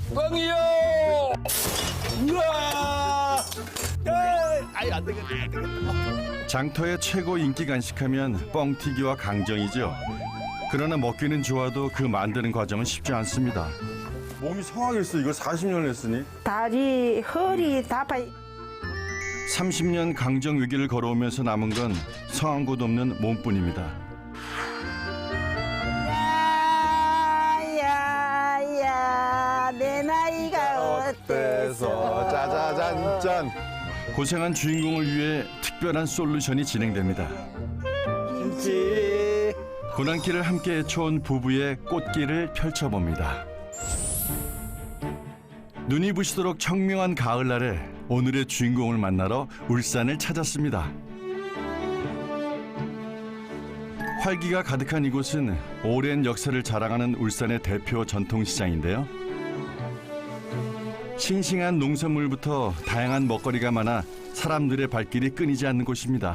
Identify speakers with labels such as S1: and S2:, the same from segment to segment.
S1: 뻥이요!
S2: 우와! 아이, 안 되겠다, 안 되겠다.
S3: 장터의 최고 인기 간식하면 뻥튀기와 강정이죠. 그러나 먹기는 좋아도 그 만드는 과정은 쉽지 않습니다.
S2: 몸이 성하겠어. 이걸 40년 했으니.
S4: 다리, 허리 다 파.
S3: 30년 강정 위기를 걸어오면서 남은 건 성한 곳 없는 몸뿐입니다.
S4: 야야야 내 나이가 어때서
S2: 짜자잔짠.
S3: 고생한 주인공을 위해 특별한 솔루션이 진행됩니다.
S2: 김치.
S3: 고난길을 함께 헤쳐온 부부의 꽃길을 펼쳐봅니다. 눈이 부시도록 청명한 가을날에 오늘의 주인공을 만나러 울산을 찾았습니다. 활기가 가득한 이곳은 오랜 역사를 자랑하는 울산의 대표 전통시장인데요. 싱싱한 농산물부터 다양한 먹거리가 많아 사람들의 발길이 끊이지 않는 곳입니다.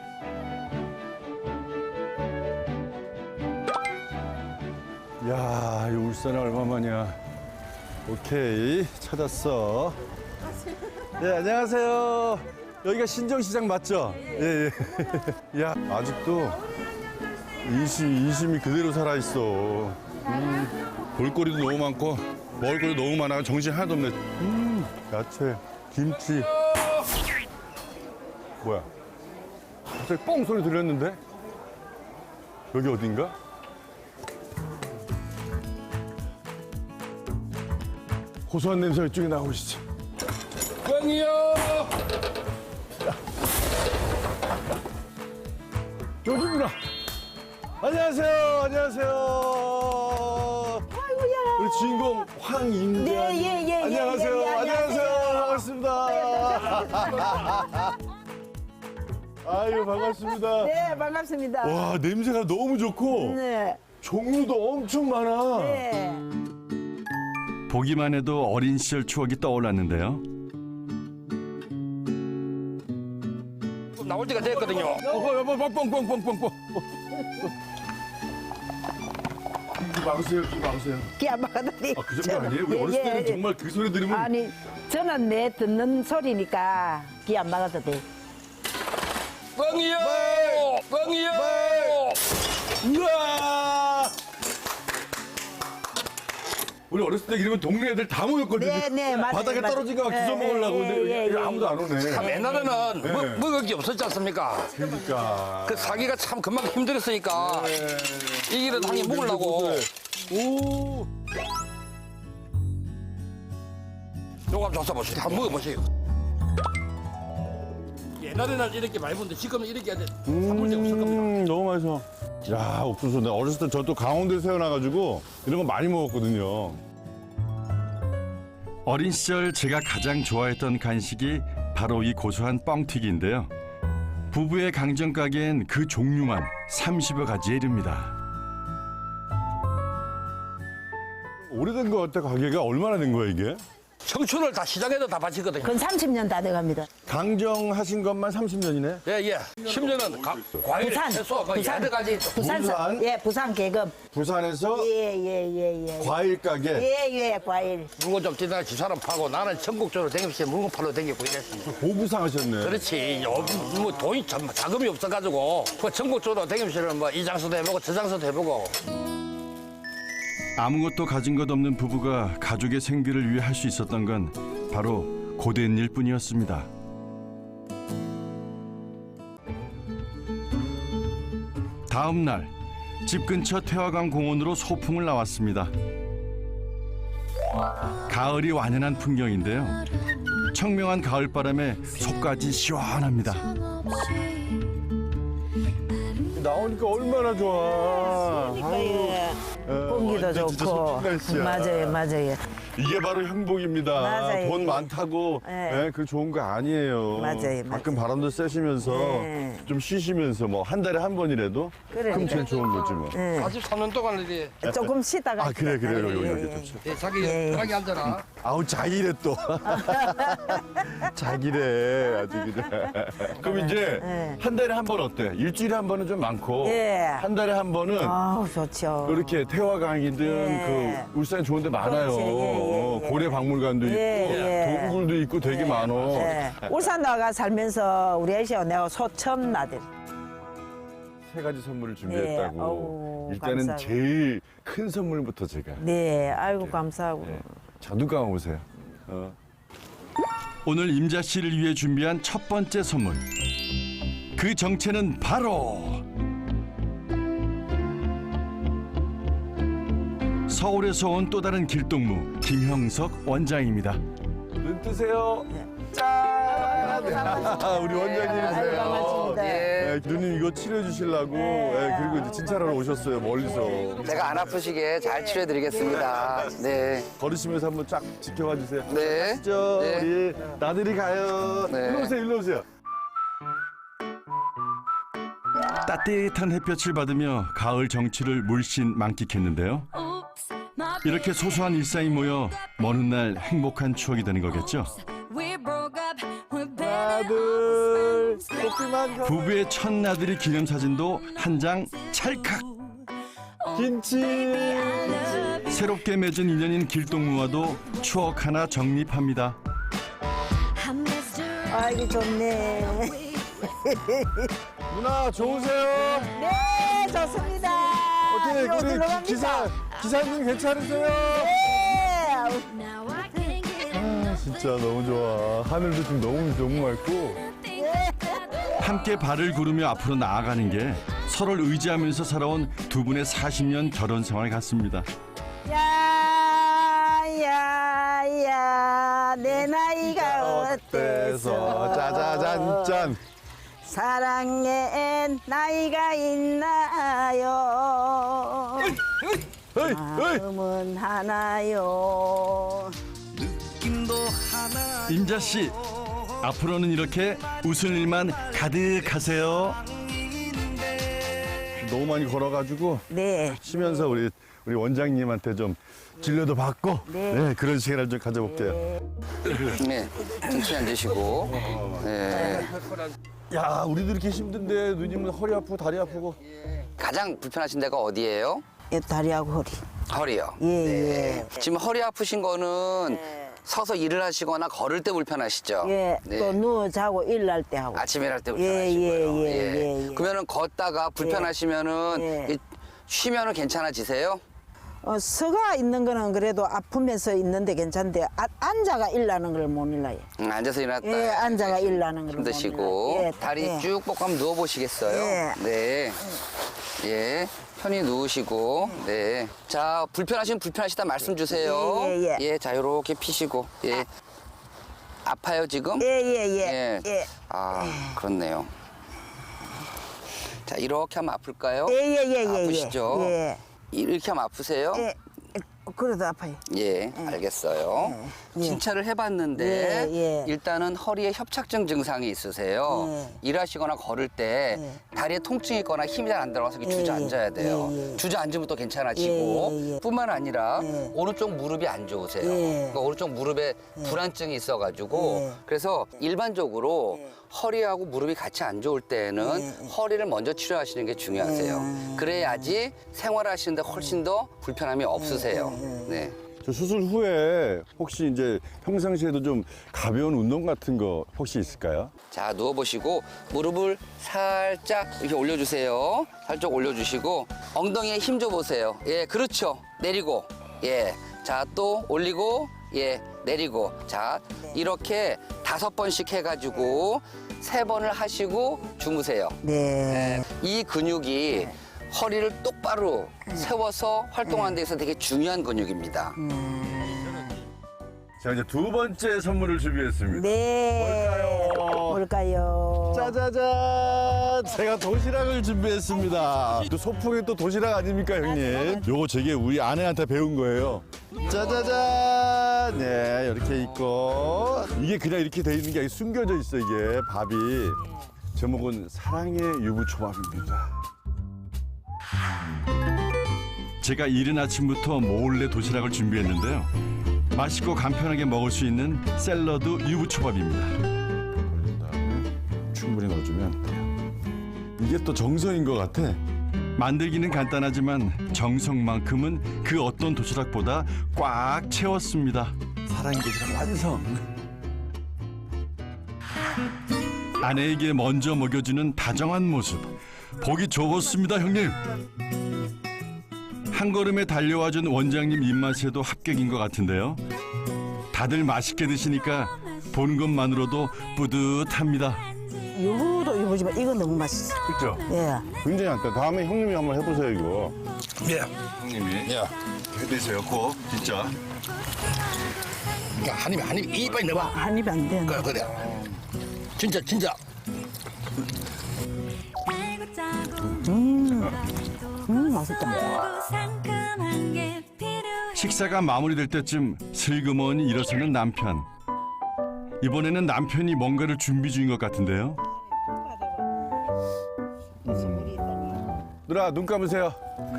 S2: 야, 이 울산에 얼마만이야. 오케이, 찾았어. 네, 안녕하세요. 여기가 신정시장 맞죠? 예, 예. 야, 아직도 인심이 그대로 살아있어. 볼거리도 너무 많고, 먹을거리도 너무 많아. 정신 하나도 없네. 야채, 김치. 뭐야? 갑자기 뻥 소리 들렸는데? 여기 어딘가? 고소한 냄새가 이쪽에 나오시죠.
S1: 뻥이요!
S2: 여기구나. 안녕하세요. 안녕하세요.
S4: 아이고야.
S2: 우리 주인공 황임대.
S4: 네, 예, 예, 예,
S2: 안녕하세요.
S4: 예, 예,
S2: 안녕하세요.
S4: 안녕하세요.
S2: 반갑습니다. 아유, 반갑습니다.
S4: 네 반갑습니다.
S2: 와, 냄새가 너무 좋고
S4: 네.
S2: 종류도 엄청 많아.
S4: 네.
S3: 보기만 해도 어린 시절 추억이 떠올랐는데요.
S1: 나올 때가 됐거든요.
S2: 뻥뻥뻥뻥뻥뻥. 귀 막으세요. 귀 막으세요.
S4: 기안 막아다니.
S2: 아, 그 정도 아니에요? 우리 어렸을 때는 정말 그 소리 들으면
S4: 아니 저는 내 듣는 소리니까 기안 막아도 돼.
S1: 뻥이요! 뻥이요!
S2: 우와! 우리 어렸을 때 이러면 동네 애들 다 모였거든요.
S4: 네, 네, 맞아요,
S2: 바닥에
S4: 맞아요.
S2: 떨어진 거 막
S4: 네,
S2: 주워 먹으려고.
S4: 네,
S2: 근데
S4: 예, 예,
S2: 아무도 안 오네.
S1: 참 옛날에는
S2: 네.
S1: 먹을 게 없었지 않습니까?
S2: 그러니까.
S1: 그 사기가 참 금방 힘들었으니까 이 길은 당연히 먹으려고
S2: 오.
S1: 요거 한번 줘보세요. 한번 먹어보세요. 옛날에는 이렇게 많이 먹는데 지금은 이렇게 사물이 없을 겁니다.
S2: 너무 맛있어. 야, 옥수수. 내가 어렸을 때 저 또 강원도에 태어나가지고 이런 거 많이 먹었거든요.
S3: 어린 시절 제가 가장 좋아했던 간식이 바로 이 고소한 뻥튀기인데요. 부부의 강정 가게엔 그 종류만 30여 가지에 이릅니다.
S2: 오래된 거 같아, 가게가. 얼마나 된 거야, 이게?
S1: 청춘을 다 시장에다 다 바치거든요.
S4: 그건 30년 다 돼갑니다.
S2: 강정하신 것만 30년이네?
S1: 예, 예. 심지어는 과일,
S4: 부산,
S1: 채소, 뭐
S4: 부산.
S1: 여러 가지.
S2: 부산?
S4: 예, 부산 계급.
S2: 부산에서
S4: 예.
S2: 과일 가게.
S4: 예, 과일.
S1: 물건 좀 뛰다가 집사람 파고 나는 전국적으로 댕기면서 물건 팔러 댕기고 이랬습니다.
S2: 보부상 하셨네.
S1: 그렇지. 뭐 돈이 자금이 없어가지고 그 전국적으로 댕기면서 뭐 이 장소도 해보고 저 장소도 해보고.
S3: 아무것도 가진 것 없는 부부가 가족의 생계를 위해 할 수 있었던 건 바로 고된 일뿐이었습니다. 다음 날 집 근처 태화강 공원으로 소풍을 나왔습니다. 가을이 완연한 풍경인데요. 청명한 가을바람에 속까지 시원합니다.
S2: 나오니까 얼마나 좋아.
S4: 예. 공기도
S2: 완전 진짜
S4: 좋고.
S2: 소풍 날씨야.
S4: 맞아요.
S2: 이게 바로 행복입니다.
S4: 맞아요.
S2: 돈 많다고
S4: 네.
S2: 그 좋은 거 아니에요.
S4: 맞아요.
S2: 가끔 바람도 쐬시면서
S4: 네.
S2: 좀 쉬시면서 뭐 한 달에 한 번이라도
S4: 그러니까.
S2: 금천 좋은 거지 뭐.
S4: 예.
S1: 43년 동안 이제
S4: 조금 쉬다가.
S2: 아, 그래. 여기
S4: 예.
S2: 좋죠.
S1: 자기
S4: 예.
S1: 편하게 앉아라.
S2: 아우, 자기래 또. 자기래, 아주 그냥. 그럼 이제
S4: 네.
S2: 한 달에 한 번 어때? 일주일에 한 번은 좀 많고.
S4: 예.
S2: 한 달에 한 번은
S4: 아우, 좋죠.
S2: 이렇게 태화강이든
S4: 예.
S2: 그 울산에 좋은 데 많아요.
S4: 그렇지. 예.
S2: 고래 박물관도 있고
S4: 예.
S2: 동굴도 있고 되게 많아.
S4: 예. 울산 나가 살면서 우리 애시가 내가 소 처음 나들.
S2: 세 가지 선물을 준비했다고.
S4: 네. 어우,
S2: 일단은
S4: 감사하고.
S2: 제일 큰 선물부터 제가.
S4: 네, 아이고 감사하고.
S2: 네. 자, 눈 감아보세요.
S3: 오늘 임자 씨를 위해 준비한 첫 번째 선물. 그 정체는 바로 서울에서 온 또 다른 길동무 김형석 원장입니다.
S2: 눈 뜨세요. 짠! 우리 원장님이세요.
S4: 반갑습니다.
S2: 네, 누님 이거 치료해 주시려고 그리고 이제 진찰하러 오셨어요, 멀리서.
S5: 제가 안 아프시게 잘 치료해드리겠습니다. 네.
S2: 걸으시면서 한번 쫙 지켜봐 주세요.
S5: 네.
S2: 가시죠.
S5: 네.
S2: 우리 나들이 가요.
S5: 네.
S2: 일로 오세요, 일로 오세요.
S3: 따뜻한 햇볕을 받으며 가을 정취를 물씬 만끽했는데요. 이렇게 소소한 일상이 모여 먼 훗날 행복한 추억이 되는 거겠죠.
S2: 하나, 둘, 꽃피만 가.
S3: 부부의 첫 나들이 기념사진도 한 장 찰칵.
S2: 김치.
S3: 새롭게 맺은 인연인 길동무와도 추억 하나 정립합니다.
S4: 아이고 좋네.
S2: 누나 좋으세요?
S4: 네, 좋습니다.
S2: 어떻게
S4: 이거
S2: 우리
S4: 들어갑니다.
S2: 기사님 괜찮으세요?
S4: 네.
S2: 아, 진짜 너무 좋아. 하늘도 지금 너무 맑고.
S3: 함께 발을 구르며 앞으로 나아가는 게 서로를 의지하면서 살아온 두 분의 40년 결혼 생활 같습니다.
S4: 야야야 내 나이가 어때서
S2: 짜자잔짠.
S4: 사랑에 나이가 있나요?
S2: 어이, 어이.
S4: 마음은 하나요.
S3: 임자 씨, 앞으로는 이렇게 웃을 일만 가득하세요.
S2: 너무 많이 걸어가지고
S4: 네.
S2: 쉬면서 우리 원장님한테 좀 진료도 받고
S4: 네.
S2: 그런 시간을 좀 가져볼게요.
S5: 네. 천천히 앉으시고. 네.
S2: 야, 우리도 이렇게 힘든데 누님은 허리 아프고 다리 아프고.
S5: 가장 불편하신 데가 어디예요?
S4: 다리하고 허리.
S5: 허리요.
S4: 예,
S5: 지금 허리 아프신 거는 서서 일을 하시거나 걸을 때 불편하시죠?
S4: 예.
S5: 네.
S4: 또 누워 자고 일날 때 하고.
S5: 아침에 일할 때
S4: 예,
S5: 불편하시고요.
S4: 예.
S5: 그러면은 걷다가 불편하시면은
S4: 예.
S5: 쉬면은 괜찮아지세요?
S4: 서가 있는 거는 그래도 아프면서 있는데 괜찮은데 앉아가 일나는 걸 못 일나요.
S5: 앉아서 일어났다.
S4: 예, 앉아가 일나는 걸 못
S5: 힘드시고
S4: 일나요. 예,
S5: 다리
S4: 예.
S5: 쭉 뻗고 한번 누워 보시겠어요?
S4: 예.
S5: 네. 예. 편히 누우시고. 네. 자, 불편하시면 불편하시다 말씀 주세요.
S4: 예.
S5: 자, 요렇게 피시고. 예. 아파요, 지금?
S4: 예.
S5: 아, 그렇네요. 자, 이렇게 하면 아플까요?
S4: 예.
S5: 아프시죠?
S4: 예.
S5: 이렇게 하면 아프세요?
S4: 예. 그래도 아파요.
S5: 예, 알겠어요.
S4: 예.
S5: 진찰을 해봤는데
S4: 예.
S5: 일단은 허리에 협착증 증상이 있으세요.
S4: 예.
S5: 일하시거나 걸을 때 다리에 통증이 있거나 힘이 잘 안 들어가서 이렇게 주저앉아야 돼요.
S4: 예.
S5: 주저앉으면 또 괜찮아지고
S4: 예.
S5: 뿐만 아니라
S4: 예.
S5: 오른쪽 무릎이 안 좋으세요.
S4: 예.
S5: 그러니까 오른쪽 무릎에 불안증이 있어가지고
S4: 예.
S5: 그래서 일반적으로 허리하고 무릎이 같이 안 좋을 때는 허리를 먼저 치료하시는 게 중요하세요. 그래야지 생활하시는데 훨씬 더 불편함이 없으세요. 네.
S2: 저 수술 후에 혹시 이제 평상시에도 좀 가벼운 운동 같은 거 혹시 있을까요?
S5: 자, 누워보시고 무릎을 살짝 이렇게 올려주세요. 살짝 올려주시고 엉덩이에 힘 줘보세요. 예, 그렇죠. 내리고. 예. 자, 또 올리고. 예, 내리고. 자,
S4: 네.
S5: 이렇게 5번씩 해가지고 3번을 하시고 주무세요.
S4: 네.
S5: 이 근육이 허리를 똑바로 세워서 활동하는 데 있어서 되게 중요한 근육입니다.
S2: 자, 이제 두 번째 선물을 준비했습니다.
S4: 네. 뭘까요?
S2: 짜자잔! 제가 도시락을 준비했습니다. 또 소풍이 또 도시락 아닙니까, 형님? 요거 제게 우리 아내한테 배운 거예요. 짜자잔! 네, 이렇게 있고. 이게 그냥 이렇게 돼 있는 게 아니라 숨겨져 있어, 이게 밥이. 제목은 사랑의 유부초밥입니다.
S3: 제가 이른 아침부터 몰래 도시락을 준비했는데요. 맛있고 간편하게 먹을 수 있는 샐러드 유부초밥입니다.
S2: 충분히 넣어주면 돼요. 이게 또 정성인 것 같아.
S3: 만들기는 간단하지만 정성만큼은 그 어떤 도시락보다 꽉 채웠습니다.
S2: 사랑의 도시락 완성.
S3: 아내에게 먼저 먹여주는 다정한 모습 보기 좋았습니다, 형님. 한 걸음에 달려와준 원장님 입맛에도 합격인 것 같은데요. 다들 맛있게 드시니까 보는 것만으로도 뿌듯합니다.
S4: 유부도 유부지만 이거 너무 맛있어.
S2: 그렇죠?
S4: 예.
S2: 굉장히 안다. 다음에 형님이 한번 해보세요 이거.
S1: 예.
S2: 형님이
S1: 야,
S2: 해내세요 꼭 진짜.
S1: 그러니까 한 입 이빨 넣어봐.
S4: 한 입 안 돼.
S1: 그래. 진짜.
S4: 맛있다.
S3: 식사가 마무리될 때쯤 슬그머니 일어서는 남편. 이번에는 남편이 뭔가를 준비 중인 것 같은데요.
S2: 누나 눈 감으세요.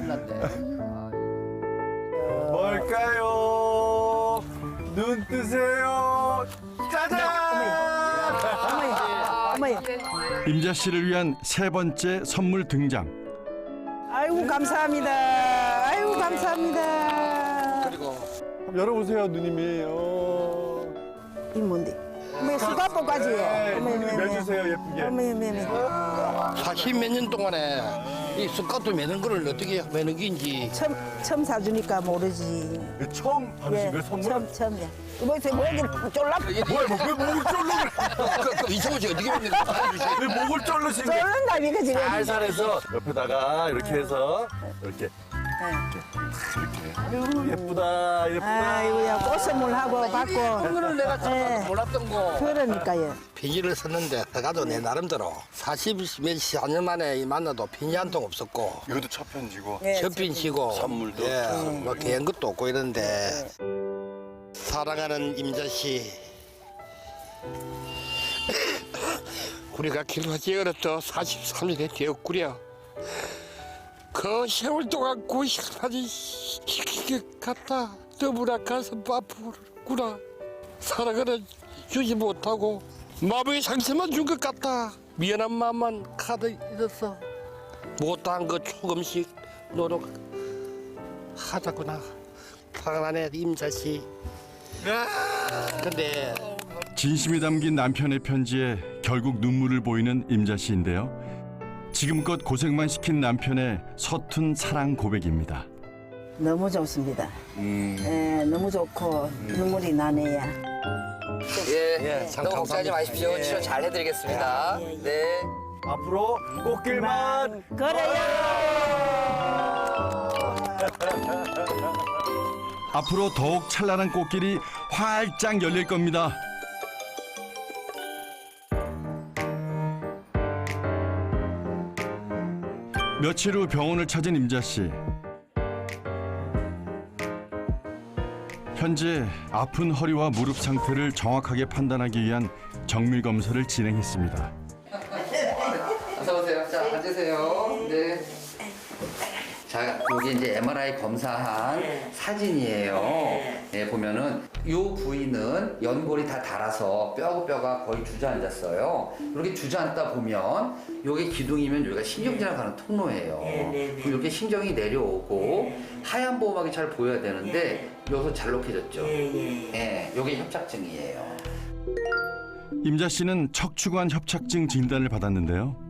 S2: 뭘까요? 눈 뜨세요. 짜잔!
S4: 어머니.
S3: 임자 씨를 위한 세 번째 선물 등장.
S4: 아이고 감사합니다. 아이고 감사합니다.
S1: 그리고
S2: 한번 열어보세요 누님이.
S4: 이 뭔데? 어머니 수갑복까지.
S2: 매주세요 예쁘게.
S4: 어머니.
S1: 40몇 년 동안에 이 숟가락도 매는 거를 어떻게 매는 게인지
S4: 처음 사주니까 모르지.
S2: 처음 받으신 거예요 선물?
S4: 처음이야. 이번에 목이 쫄라.
S2: 뭐야 왜 목을 쫄르?
S1: 이성호 씨 어떻게 매는 거야?
S2: 왜 목을 쫄르신 거예요?
S4: 쫄른다 이거 지금.
S2: 살살해서 옆에다가 이렇게 해서 이렇게. 아유 예쁘다.
S4: 아이고야 꽃선물하고 받고.
S1: 그거를 내가
S4: 예.
S1: 참 몰랐던 거.
S4: 그러니까요.
S1: 편지를 썼는데 내가도 내 나름대로 40년 만에 만나도 편지 한 통 없었고
S2: 이것도 첫 편지고.
S1: 첫 편지고 선물도 뭐 개인 것도 없고 이런데 사랑하는 임자 씨 우리가 결혼하지 어렸죠. 43년이 되었구려. 그 세월 동안 고생하니 시킨 것 같다. 너무나 가슴 아프구나. 사랑을 주지 못하고 마음의 상처만 준 것 같다. 미안한 마음만 가득 있었어. 못한 거 조금씩 노력하자구나. 사랑하네 임자씨. 근데
S3: 진심이 담긴 남편의 편지에 결국 눈물을 보이는 임자 씨인데요. 지금껏 고생만 시킨 남편의 서툰 사랑 고백입니다.
S4: 너무 좋습니다. 예, 너무 좋고 눈물이 나네요.
S5: 예,
S1: 참
S5: 너무 걱정하지
S1: 감사합니다.
S5: 마십시오. 치료 잘 해드리겠습니다. 네.
S2: 앞으로 꽃길만
S4: 그래요.
S3: 앞으로 더욱 찬란한 꽃길이 활짝 열릴 겁니다. 며칠 후 병원을 찾은 임자 씨. 현재 아픈 허리와 무릎 상태를 정확하게 판단하기 위한 정밀 검사를 진행했습니다.
S5: 어서 오세요. 자, 앉으세요. 네. 자, 여기 이제 MRI 검사한 사진이에요. 네, 보면은 이 부위는 연골이 다 닳아서 뼈하고 뼈가 거의 주저앉았어요. 이렇게 주저앉다 보면 여기 기둥이면 여기가 신경질환 가는 통로예요. 그리고 이렇게 신경이 내려오고 하얀 보호막이 잘 보여야 되는데 여기서 잘록해졌죠. 네, 이게 협착증이에요.
S3: 임자 씨는 척추관 협착증 진단을 받았는데요.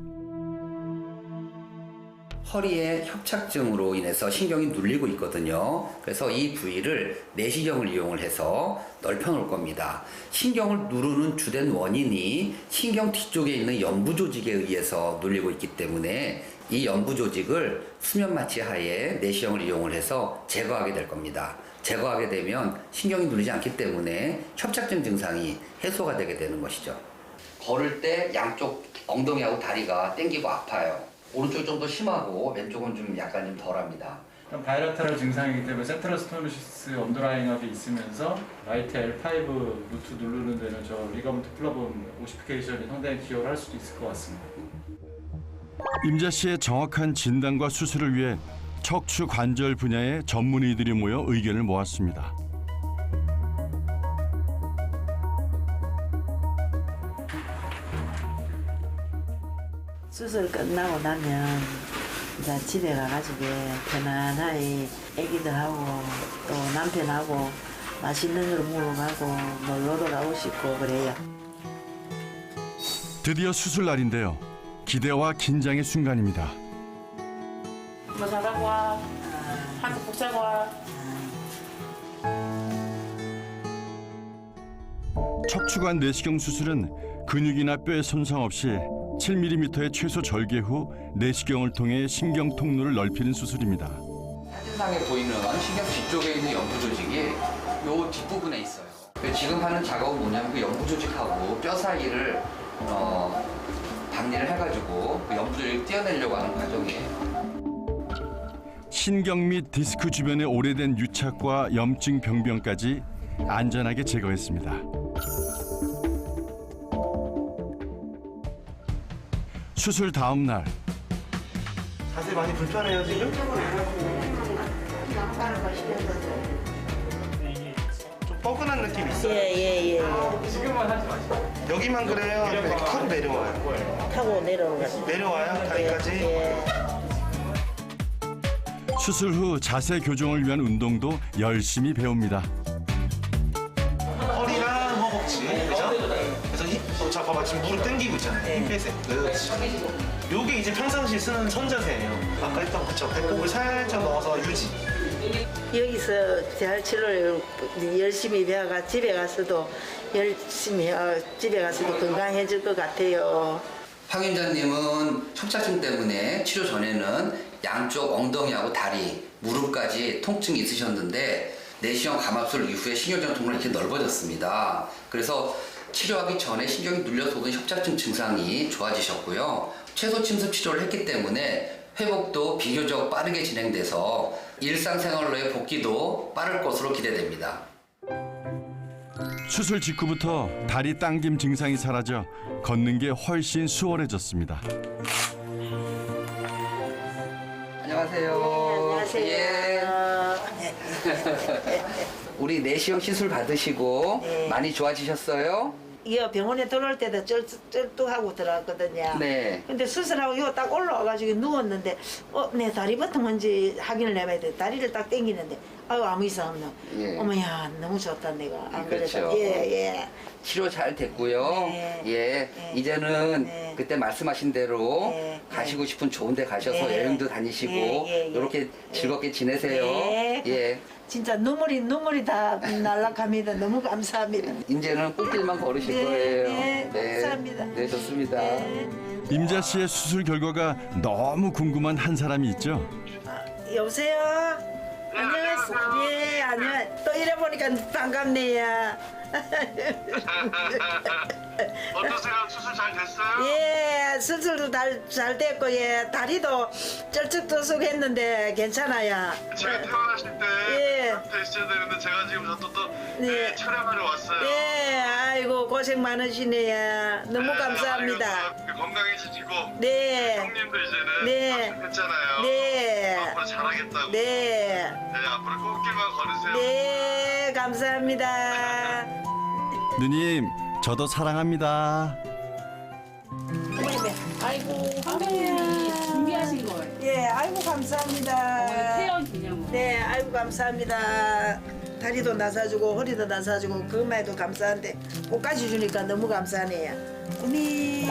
S5: 허리에 협착증으로 인해서 신경이 눌리고 있거든요. 그래서 이 부위를 내시경을 이용을 해서 넓혀 놓을 겁니다. 신경을 누르는 주된 원인이 신경 뒤쪽에 있는 연부 조직에 의해서 눌리고 있기 때문에 이 연부 조직을 수면 마취 하에 내시경을 이용을 해서 제거하게 될 겁니다. 제거하게 되면 신경이 눌리지 않기 때문에 협착증 증상이 해소가 되게 되는 것이죠. 걸을 때 양쪽 엉덩이하고 다리가 당기고 아파요. 오른쪽 좀 더 심하고 왼쪽은 좀 약간 좀 덜합니다.
S6: 바이라테럴 증상이기 때문에 센트럴 스토노시스 언더라잉압이 있으면서 라이트 L5 루트 누르는 데는 저 리가먼트 플라본 오시피케이션이 상당히 기여를 할 수도 있을 것 같습니다.
S3: 임자 씨의 정확한 진단과 수술을 위해 척추 관절 분야의 전문의들이 모여 의견을 모았습니다.
S7: 수술 끝나고 나면
S4: 이제 집에 가가지고 편안하게 애기들하고 또 남편하고 맛있는 걸 먹으러 가고 놀러도 가고 싶고 그래요.
S3: 드디어 수술 날인데요. 기대와 긴장의 순간입니다.
S7: 뭐 사자고 와. 한국 국 사고 와.
S3: 척추관 내시경 수술은 근육이나 뼈의 손상 없이 7mm의 최소 절개 후 내시경을 통해 신경 통로를 넓히는 수술입니다.
S5: 사진상에 보이는 신경 뒤쪽에 있는 연부 조직이 요 뒷부분에 있어요. 지금 하는 작업은 뭐냐면 그 연부 조직하고 뼈 사이를 박리를 해가지고 그 연부 조직을 떼어내려고 하는 과정이에요.
S3: 신경 및 디스크 주변의 오래된 유착과 염증 병변까지 안전하게 제거했습니다. 수술 다음 날
S8: 자세 많이 불편해요 지금? 좀 뻐근한 느낌 있어요?
S4: 예예예.
S8: 여기만 그래요? 아니면 이렇게 타고 내려와요?
S4: 타고 내려오는 거.
S8: 내려와요? 다리까지?
S4: 예.
S3: 수술 후 자세 교정을 위한 운동도 열심히 배웁니다.
S8: 허리랑 허벅지 그죠? 그래서 자 봐봐 지금 무릎 당기고 있잖아요. 힘 빼세요. 그렇지. 요게 이제 평상시 쓰는 선자세예요. 아까 했던 그쵸? 배꼽을 살짝 넣어서 유지.
S4: 여기서 잘 치료를 열심히 배워가 집에 가서도 열심히 집에 가서도 건강해질 것 같아요.
S5: 황 원장님은 협착증 때문에 치료 전에는 양쪽 엉덩이하고 다리, 무릎까지 통증이 있으셨는데 내시경 감압술 이후에 신경전 통로가 이렇게 넓어졌습니다. 그래서 치료하기 전에 신경이 눌려서 오던 협착증 증상이 좋아지셨고요. 최소 침습 치료를 했기 때문에 회복도 비교적 빠르게 진행돼서 일상생활로의 복귀도 빠를 것으로 기대됩니다.
S3: 수술 직후부터 다리 당김 증상이 사라져 걷는 게 훨씬 수월해졌습니다.
S5: 안녕하세요.
S4: 안녕하세요.
S5: 예. 우리 내시경 시술 받으시고
S4: 네.
S5: 많이 좋아지셨어요?
S4: 이 병원에 들어올 때도 쩔뚝하고 들어왔거든요.
S5: 네.
S4: 근데 수술하고 이거 딱 올라와가지고 누웠는데 내 다리부터 뭔지 확인을 해봐야 돼. 다리를 딱 당기는데 아유 아무 이상 없노.
S5: 예.
S4: 어머야 너무 좋다 내가. 안
S5: 그렇죠.
S4: 그래도 예예.
S5: 치료 잘 됐고요.
S4: 네.
S5: 예.
S4: 네.
S5: 이제는
S4: 네.
S5: 그때 말씀하신 대로
S4: 네.
S5: 가시고 싶은 좋은 데 가셔서
S4: 네.
S5: 여행도 다니시고
S4: 예.
S5: 이렇게 즐겁게 지내세요.
S4: 네.
S5: 예.
S4: 진짜 눈물이 다 날락합니다. 너무 감사합니다.
S5: 이제는 꽃길만 걸으실
S4: 네,
S5: 거예요.
S4: 네, 감사합니다.
S5: 네, 좋습니다.
S4: 네.
S3: 임자 씨의 수술 결과가 너무 궁금한 한 사람이 있죠.
S4: 여보세요. 안녕하세요. 예, 안녕. 또 이래 보니까 반갑네요.
S8: 어떠세요? 수술 잘 됐어요?
S4: 예, 수술도 잘 됐고 예, 다리도 쩔쭉쩔쭉했는데 괜찮아요.
S8: 제가 태어나실 때
S4: 예.
S8: 그때 있어야 되는데 제가 지금 또
S4: 네.
S8: 촬영하러 왔어요.
S4: 예, 아이고 고생 많으시네요. 너무 감사합니다.
S8: 건강해지시고
S4: 네.
S8: 형님도 이제는
S4: 네.
S8: 했잖아요.
S4: 네.
S8: 앞으로 잘하겠다고.
S4: 네.
S8: 앞으로 꽃길만 걸으세요.
S4: 네, 감사합니다.
S3: 누님, 저도 사랑합니다.
S7: 아이고 선배님이 준비하신 거예요.
S4: 예, 아이고 감사합니다.
S7: 태연 기념으로.
S4: 네, 아이고 감사합니다. 다리도 나사주고 허리도 나사주고 그것만 해도 감사한데 꽃까지 주니까 너무 감사하네요. 어미.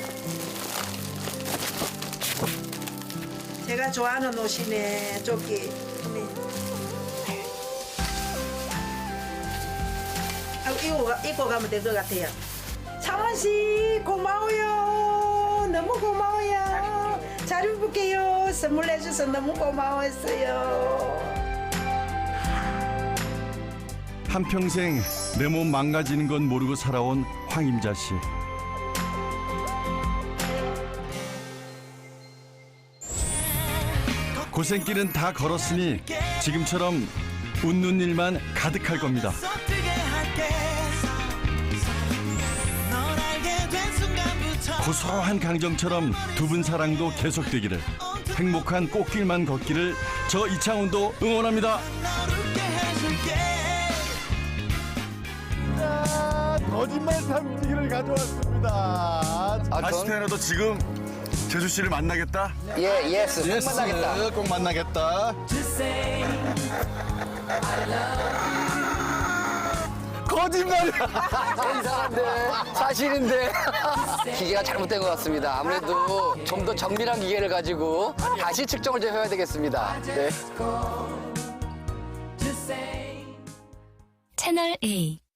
S4: 제가 좋아하는 옷이네, 조끼. 어미. 입고 가면 될 것 같아요. 창원 씨 고마워요. 너무 고마워요. 잘 입을게요. 선물 해줘서 너무 고마웠어요.
S3: 한평생 내 몸 망가지는 건 모르고 살아온 황임자 씨. 고생길은 다 걸었으니 지금처럼 웃는 일만 가득할 겁니다. 고소한 강정처럼 두 분 사랑도 계속되기를, 행복한 꽃길만 걷기를 저 이창훈도 응원합니다.
S2: 거짓말 삼지기를 가져왔습니다. 아시테나도 지금 재수 씨를 만나겠다?
S5: 예, 예스. 꼭 만나겠다.
S2: 꼭 만나겠다. 거짓말이야.
S5: 이상한데 사실인데 기계가 잘못된 것 같습니다. 아무래도 좀 더 정밀한 기계를 가지고 다시 측정을 좀 해야 되겠습니다. 네.
S9: 채널 A